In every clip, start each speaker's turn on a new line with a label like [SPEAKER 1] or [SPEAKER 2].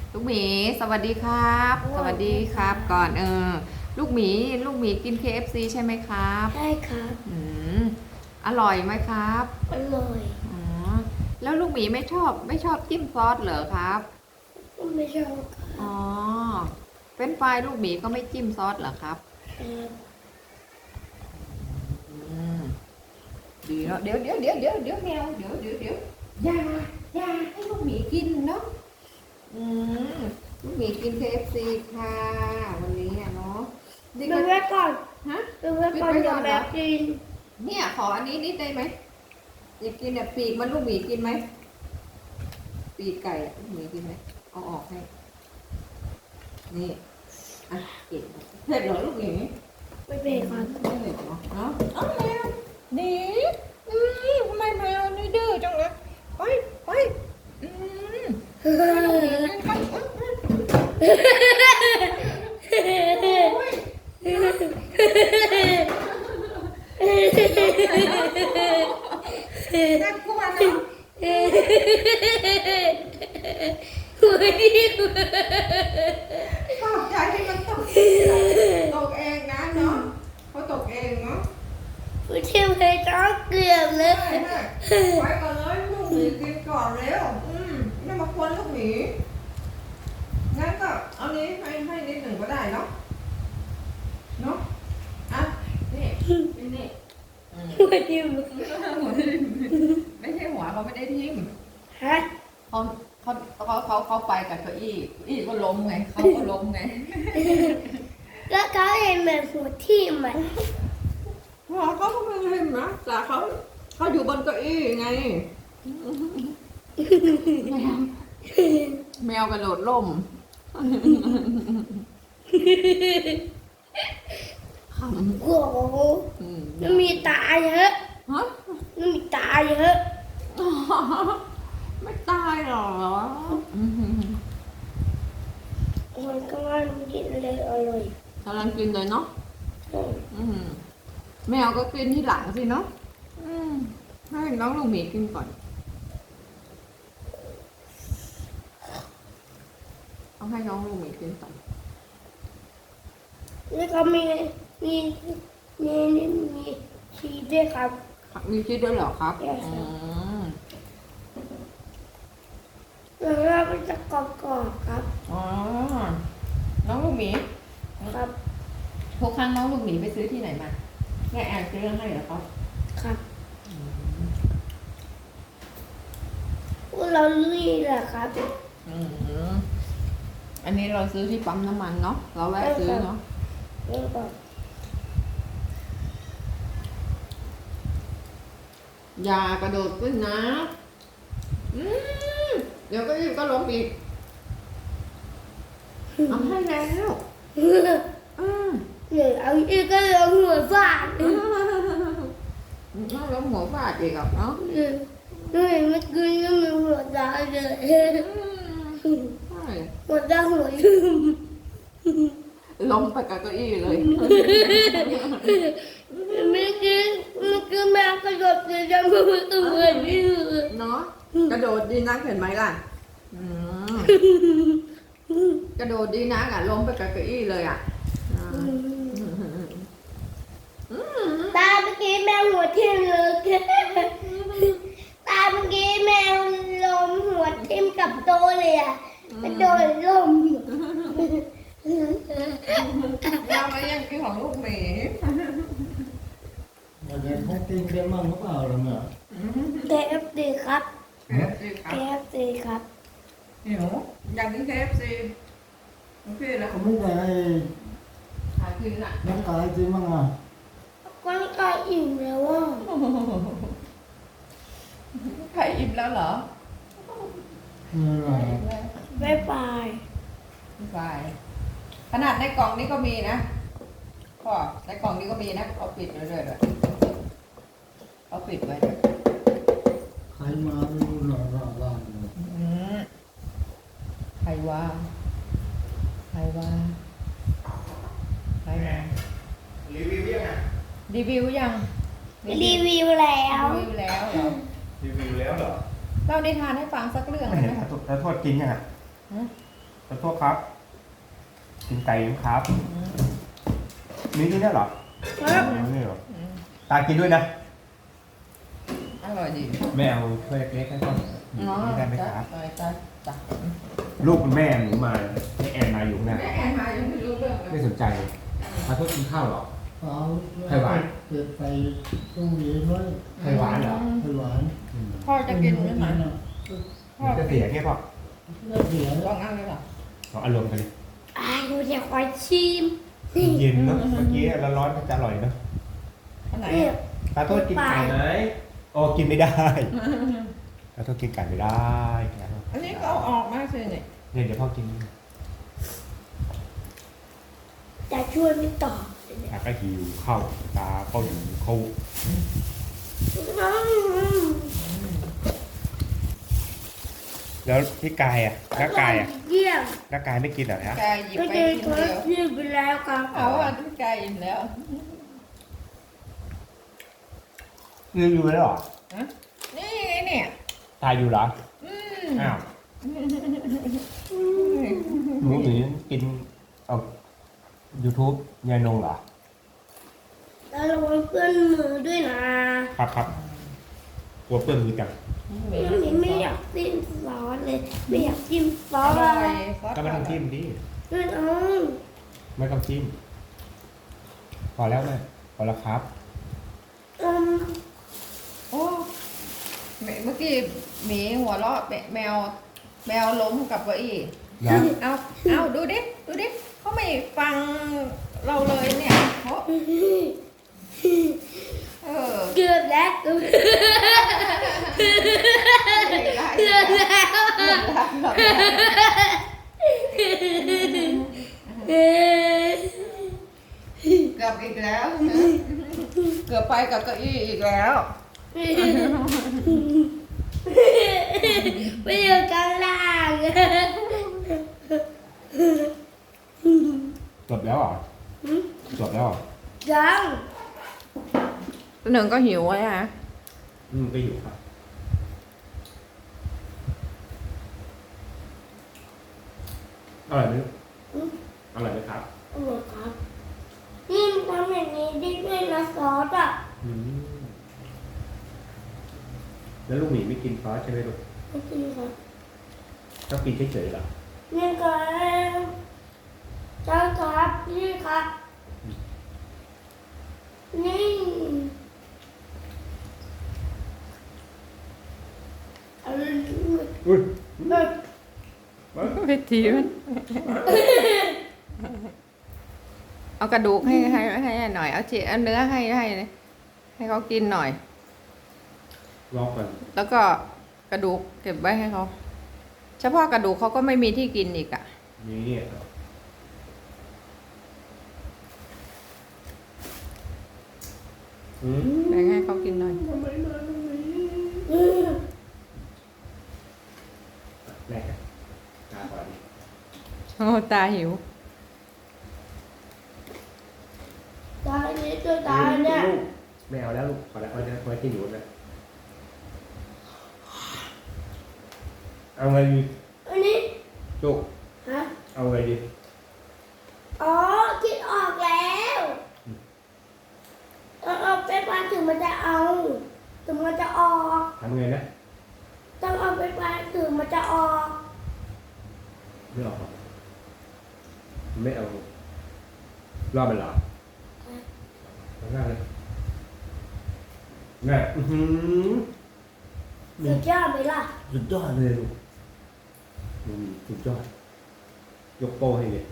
[SPEAKER 1] ลูกหมีสวัสดีครับสวัสดีครับก่อนลูกหมีกิน KFC ใช่ไหมครับ
[SPEAKER 2] ใช่ครับ
[SPEAKER 1] มอร่อยไหมครับ
[SPEAKER 2] อร่อย
[SPEAKER 1] อ๋อแล้วลูกหมีไม่ชอบจิ้มซอสเหรอครับ
[SPEAKER 2] ไม่ชอบค
[SPEAKER 1] อ๋อ
[SPEAKER 2] รับ
[SPEAKER 1] เป็นไฟรายลูกหมีก็ไม่จิ้มซอสเหรอครับ
[SPEAKER 2] ครับ
[SPEAKER 1] อืมดีเนาะเดี๋ยวแมวเดี๋ยวอย่าให้ลูกหมีกินเนาะอืมลูกหมีกิน KFC ค่ะวันนี้อะเนาะนี่
[SPEAKER 2] ดู
[SPEAKER 1] ก็
[SPEAKER 2] ไว้ก่อน
[SPEAKER 1] ฮะ
[SPEAKER 2] ดูไว้ก่อนอย่าแบบกิน
[SPEAKER 1] เนี่ยขออันนี้นิดได้ไหมอยากกินเนี่ยปีกมันลูกหมีกินไหมปีกไก่อะลูกหมีกินไหมเอาออกให้นี่อ่ะเก็บเผ็ดเหรอลูกหมี
[SPEAKER 2] ไม่เป็นครับ
[SPEAKER 1] ไม่เผ็ดเหรอเนาะเอาแมวดีทำไมแมวนี่ดื้อจังเลยไปอืมโอ้ยน่ากลัวเนาะ ขอบใจที่มันตกเองนะเนาะเขาตกเองเนาะ
[SPEAKER 2] ผู้เชี่ยวชาญต้องเกลือบเลย
[SPEAKER 1] ไปก่อนเลยลูกหมีกินก่อนเร็วไม่มาควนลูกหมีงั้นก็เอานี้ให้นิดหนึ่งก็ได้เนาะอ่ะนี่
[SPEAKER 2] หัวจิ้ม
[SPEAKER 1] ไม่ใช่หัวเขาไม่ได้ทิ่ม
[SPEAKER 2] ฮะ
[SPEAKER 1] เขาไปกับเก้าอี้ก็ล้มไงเขาก็ล้มไง
[SPEAKER 2] แล้วเขาเห็นเหมือนหัวทิ่มอ่ะ
[SPEAKER 1] หัวเขาก็ไม่เห็นนะแต่เขาอยู่บนเก้าอี้ไงแมวกระโดดล่ม
[SPEAKER 2] โอ้โหมันมีตาเยอะ
[SPEAKER 1] ฮะ
[SPEAKER 2] มันมีตาเยอะ
[SPEAKER 1] ไม่ตายหรอ
[SPEAKER 2] มันก็ว่ามันกินเลยอร่อย
[SPEAKER 1] กำลังกินเลยเนาะแมวก็กินที่หลังสิเนาะให้น้องลูกหมีกินก่อนเอาให้น้องลูกหมีกินก่อน
[SPEAKER 2] แล้วก็มีชีสด้วยครับ
[SPEAKER 1] มีชีสด้วยเหรอครับ
[SPEAKER 2] ใช่ครับ แล้วก็มันจะกรอบๆครับ
[SPEAKER 1] อ๋อน้องลูกหมี
[SPEAKER 2] ครับ
[SPEAKER 1] ทุกครั้งน้องลูกหมีไปซื้อที่ไหนมาแม่แอนซื้อให้เหรอครับ
[SPEAKER 2] ครับพวกเรานี่แหละครับ
[SPEAKER 1] อันนี้เราซื้อที่ปั๊มน้ำมันเนาะเราแวะซื้อเนาะ
[SPEAKER 2] แล้วก็
[SPEAKER 1] อย่ากระโดดขึ้นนะเดี๋ยวก็ล้มอีกเอาให้แล้ว
[SPEAKER 2] หรือเอาอีกก็ลงหัวฟาด
[SPEAKER 1] nóล้มหัวฟาดอีกอ่ะเนาะ
[SPEAKER 2] ดูเห็นเมื่อคืนก็มีหัวตาเลย
[SPEAKER 1] ใช่
[SPEAKER 2] หัวตาหัวลืม
[SPEAKER 1] ล้มไปกับเก้าอี้เลย
[SPEAKER 2] เมื่อกี้แมวกระโดดเลยจะมือตัวนี่
[SPEAKER 1] เนาะกระโดดดีนักเห็นไหมล่ะกระโดดดีนักอ่ะล้มไปกับเก้าอี้เลยอ่ะ
[SPEAKER 2] ตาเมื่อกี้แมวหัวทิ่มเลยตาเมื่อกี้แมวลมหัวทิ่มกับโตเลยอ่ะกระโดดลม
[SPEAKER 1] เราไม่ยังกินของลูกหมี
[SPEAKER 3] Mà giờ không tin cái măng nó vào rồi mà.
[SPEAKER 2] KFC ครับ
[SPEAKER 1] KFC ครับ
[SPEAKER 2] KFC ครับ
[SPEAKER 1] หิวอยากกิน KFC โอเคแล้ว
[SPEAKER 3] Không biết là này
[SPEAKER 1] หาคืนอ่ะ
[SPEAKER 3] nó cái gì măng à?
[SPEAKER 2] ก้อนก็อิ่มแล้วว่า
[SPEAKER 1] ใครอิ่มแล้วเหรอ
[SPEAKER 3] Ừ, rồi.
[SPEAKER 2] บ๊ายบาย
[SPEAKER 1] บายขนาดในกล่องนี้ก็มีนะพ่อในกล่องนี้ก็มีนะเอาปิดไว้ด้วยเอาปิดไว้ด้วย
[SPEAKER 3] Khai mà nó rõ ràng.
[SPEAKER 1] ใครว่าใครว่ารีวิวยัง
[SPEAKER 2] รีวิวแล้ว
[SPEAKER 1] รีวิวแล้วเหรอ
[SPEAKER 4] รีวิวแล้วเหรอ
[SPEAKER 1] เล่านิทานให้ฟังสักเรื่องได้ไหม
[SPEAKER 4] แต่โทษจริงอ่ะขอโทษครับ กินไก่ยังครับนี่ที่นี่เหรอ
[SPEAKER 2] ครับ
[SPEAKER 4] นี่เหรอตากินด้วยนะ
[SPEAKER 1] อร่อยดี
[SPEAKER 4] แม่เอาถ้วยเล็กๆให้ก่อนนี่ได้ไหมครับ
[SPEAKER 1] จ้ะ
[SPEAKER 4] ลูกคุณแม่หนูมาให้แอนมาอยู่ข้างหน้า
[SPEAKER 1] แม่แอนมายังไม่รู้เรื่องเล
[SPEAKER 4] ไม่
[SPEAKER 1] ย
[SPEAKER 4] สนใจเลยขอโทษกินข้าวเหรอ
[SPEAKER 3] เอา
[SPEAKER 4] ไข่หวาน
[SPEAKER 3] เก็บไปตู้เย็นไว้
[SPEAKER 4] ไข่หวานเหรอ
[SPEAKER 3] ไข่หวาน
[SPEAKER 1] พ่อจะกินไหมหมาพ่อ
[SPEAKER 4] จะเสียแค่พอ
[SPEAKER 3] น่าเสีย
[SPEAKER 1] ลองเอาเลยเหรอ
[SPEAKER 4] เอาอารมณ์กันเลย
[SPEAKER 2] หนูจะขอชิม
[SPEAKER 4] เย็นเนาะเมื่อกี้ร้อนๆมันจะอร่อยเนาะ
[SPEAKER 1] อันไหน
[SPEAKER 2] นี่
[SPEAKER 4] ขอโทษกินไก่ไหมโอ้กินไม่ได้ขอโทษกินไก่ไม่ได้
[SPEAKER 1] อันนี้ก็เอาออกมาสิเนี่ย
[SPEAKER 4] เนี่ยเดี๋ยวพ่อกิน
[SPEAKER 2] จะช่วยไม่ตอบ
[SPEAKER 4] ตาก็หิวข้าวตาก็หิวข้าวแล้วพี่กายอ่ะน้ากายอ่ะ
[SPEAKER 2] เยี่ยม
[SPEAKER 4] น้ากายไม่กินเหรอฮะ
[SPEAKER 1] กายหยิบ
[SPEAKER 2] ก็
[SPEAKER 1] ไป
[SPEAKER 2] จะ
[SPEAKER 1] กิน
[SPEAKER 2] ขอ
[SPEAKER 1] เดียว
[SPEAKER 2] ชิมไปแล้วครับ
[SPEAKER 1] เอาอ่ะทุกกายอิ่มแล้ว
[SPEAKER 4] ยืนอยู่แล้วเหรอ
[SPEAKER 1] นี่ไงเนี่ย
[SPEAKER 4] ตายอยู่เหรอ
[SPEAKER 1] อืม
[SPEAKER 4] อ้าวหนูถึงกินเอา YouTube ยายนงเหรอ
[SPEAKER 2] แล้วระวังเพื่อนมือด้วยนะครับ
[SPEAKER 4] ครับกลัวเปื้อนมือจัง
[SPEAKER 2] ไม่อยากจิ้มซอสเลย ไม่อยากจิ้มซอ
[SPEAKER 1] อ
[SPEAKER 2] ส
[SPEAKER 1] ร่อย
[SPEAKER 4] ก็ไม่ต้องจิ้มดิ
[SPEAKER 2] ไม่เอา
[SPEAKER 4] ไม่ต้องจิ้มพอแล้วแม่พอแล้วครับ
[SPEAKER 2] อืม
[SPEAKER 1] โอ้เมื่อกี้หมีหัวเราะแมวล้มกับเก้าอี้
[SPEAKER 4] นะ
[SPEAKER 1] เอาดูดิเขาไม่ฟังเราเลยเนี่ยเขาเออ
[SPEAKER 2] เกือบแล้วเกือบ
[SPEAKER 1] ไม่ได้
[SPEAKER 2] เกือบแล้ว
[SPEAKER 1] เกือบอีกแล้วนะเกือบไปกับเก้าอี้อีกแล้ว
[SPEAKER 2] ไปอยู่กลางล่าง
[SPEAKER 4] จบแล้วเหรอจบแล้วเหรอ
[SPEAKER 2] ยัง
[SPEAKER 1] หนึ่งก็หิวไว้ฮะ
[SPEAKER 4] ก็อยู่ครับอร่อยไหมอร่อยไหมครับ
[SPEAKER 2] โอ้โหครับนี่ทำอย่างนี้ได้ด้วยนะซอสอ่ะ
[SPEAKER 4] อืมแล้วลูกหมีไม่กินซอสใช่ไหมลูก
[SPEAKER 2] ไม่กินครับ
[SPEAKER 4] ชอบกินเฉยๆเหรอ
[SPEAKER 2] นี่ครับจ้าครับนี่ครับนี่อะไร
[SPEAKER 4] อุ้ย
[SPEAKER 2] แบบ
[SPEAKER 1] วิธีมันเอากระดูกให้หน่อยเอาเอาเนื้อให้เขากินหน่อย
[SPEAKER 4] รอก่อน
[SPEAKER 1] แล้วก็กระดูกเก็บไว้ให้เขาเฉพาะกระดูกเขาก็ไม่มีที่กินอีกอ่ะ
[SPEAKER 4] นี่อืม
[SPEAKER 1] แบ่งให้เขากินหน่อย
[SPEAKER 4] แรกกันตาก่อนดิ
[SPEAKER 1] โอ้ตาหิว
[SPEAKER 2] ตาเนี่ยตัวตาเนี่ย
[SPEAKER 4] ลูกไม่เอาแล้วลูกขอแล้วเอาไว้ที่หนูนะเอาไงดี
[SPEAKER 2] อันนี้
[SPEAKER 4] ลูก
[SPEAKER 2] ฮะ
[SPEAKER 4] เอาไงดี
[SPEAKER 2] อ๋อคิดออกแล้วเอาไปปานถึงมันจะเอาถึงมันจะออก
[SPEAKER 4] ทำไงนะ
[SPEAKER 2] ต้องเอาไปปานถึงมันจะออก
[SPEAKER 4] ไม่ออกหรอกไม่เอารอบมันเหรอง่ายเลยง่าย
[SPEAKER 2] สุดยอดไหมล่ะ
[SPEAKER 4] สุดยอดเลยลูกสุดยอดยกโป้ให้เลย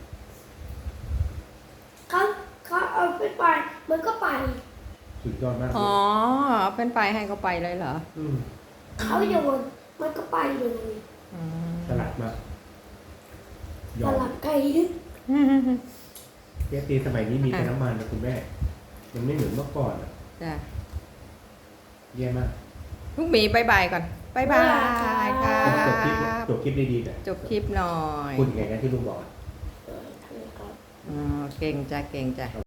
[SPEAKER 2] เขาเอาไปปานมันก็ไป
[SPEAKER 4] สุดยอดมาก
[SPEAKER 1] อ๋อเป็นไปให้เขาไปเลยเหรอ
[SPEAKER 2] เขาโยนมันก็ไปเลย
[SPEAKER 1] อืม
[SPEAKER 4] ฉลาดมากย
[SPEAKER 2] ส
[SPEAKER 4] อม
[SPEAKER 2] ลับไก่
[SPEAKER 4] เจ๊ตีสมัยนี้มีแต่น้ำมันนะคุณแม่ มันไม่เหมือนเมื่อก่อนอะ
[SPEAKER 1] จ้ะ
[SPEAKER 4] แย่มาก
[SPEAKER 1] ลูกหมีบายบายก่อนบายบายค่ะ
[SPEAKER 4] จบคลิปดีๆหน่อย
[SPEAKER 1] จบคลิปหน่อย
[SPEAKER 4] พูดยังไงนะที่ลุงบอกอะ
[SPEAKER 2] ทำไมครับ
[SPEAKER 1] อ๋อเก่งจ้ะ